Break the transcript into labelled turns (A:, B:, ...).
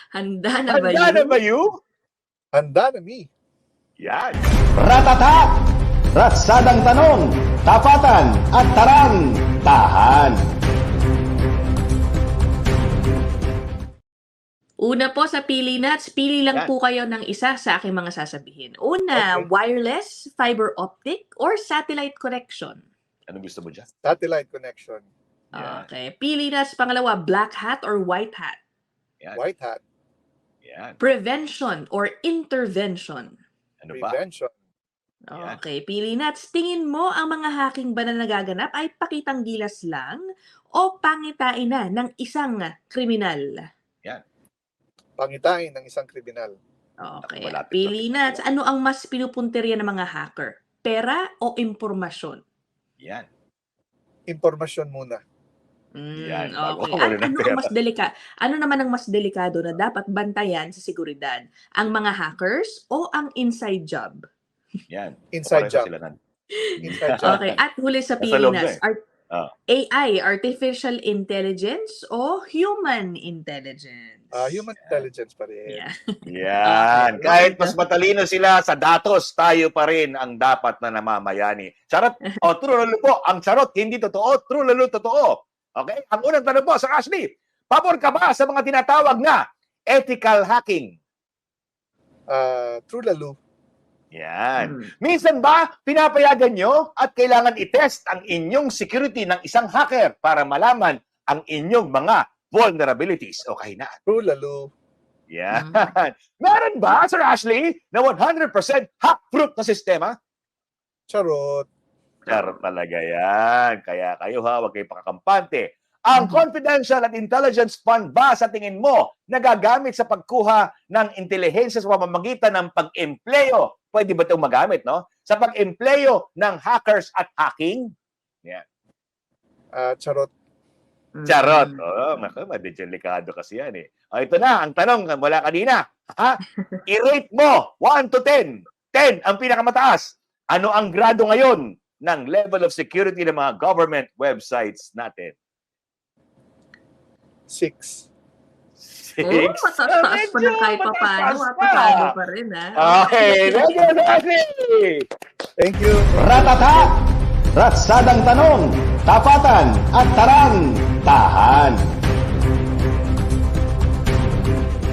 A: Handa na ba
B: Handa na
A: yun?
B: ba you?
C: Handa na me.
B: Yan.
D: Ratata! Ratsadang tanong, tapatan at tarang, tahan.
A: Una po sa Pili Nuts, pili lang
B: Yan.
A: po kayo ng isa sa aking mga sasabihin. Una,
C: Okay.
A: wireless, fiber optic, or satellite connection?
B: Ano gusto mo dyan?
C: Satellite connection.
B: Yan.
A: Okay. Pili Nuts, pangalawa, black hat or white hat?
B: Yan.
C: White hat.
B: Yan.
A: Prevention or intervention?
B: Ano ba?
C: Prevention.
B: Yan.
A: Okay. Pili Nuts, tingin mo ang mga hacking ba na nagaganap ay pakitang gilas lang o pangitain na ng isang kriminal?
C: Pangitain ng isang kriminal.
A: Okay.
B: Naku, malapit
A: Pili Nuts, ano ang mas pinupunteriya ng mga hacker? Pera o impormasyon?
B: Yan.
C: Impormasyon muna.
B: Yan, bago
A: Okay.
B: ako
A: At
B: muna ng
A: ano ang mas ano naman ang mas delikado na dapat bantayan sa seguridad? Ang mga hackers o ang inside job?
B: Yan.
C: Inside
B: Pareho
C: job.
B: sila nan.
C: Inside job.
A: Okay. At huli sa
B: Nasa loob na
A: Pilinas,
B: Ah.
A: AI, artificial intelligence o human intelligence?
C: Human intelligence pa rin.
A: Yeah.
B: Yan.
A: Okay.
B: Kahit mas matalino sila sa datos, tayo pa rin ang dapat na namamayani. Charot. O, true lalo po. Ang charot, hindi totoo. True lalo, totoo. Okay? Ang unang tanong po sa Ashley, pabor ka ba sa mga tinatawag na ethical hacking?
C: True lalo.
B: Yan. Minsan ba, pinapayagan nyo at kailangan i-test ang inyong security ng isang hacker para malaman ang inyong mga vulnerabilities o kahinaan?
C: True lalo.
B: Yan. Meron ba, Sir Ashley, na 100% hack-proof na sistema?
C: Charot.
B: Charot talaga yan. Kaya kayo ha, huwag kayo pakakampante. Ang confidential at intelligence fund ba sa tingin mo nagagamit sa pagkuha ng intelihensya sa pamamagitan ng pag-empleyo? Pwede ba itong magamit, no? Sa pag-empleyo ng hackers at hacking? Yan.
C: Charot.
B: Charot. Oh, madidelikado kasi yan eh. O, ito na, ang tanong mula kanina. Ha? I-rate mo, 1 to 10. 10 ang pinakamataas. Ano ang grado ngayon ng level of security ng mga government websites natin?
C: 6.
B: 6?
A: Mataas pa na kahit pa paano. Mapasado pa rin, ha?
B: Okay, thank you, Ashley!
C: Thank you.
D: Ratata! Ratsadang tanong, tapatan at tarang, tahan.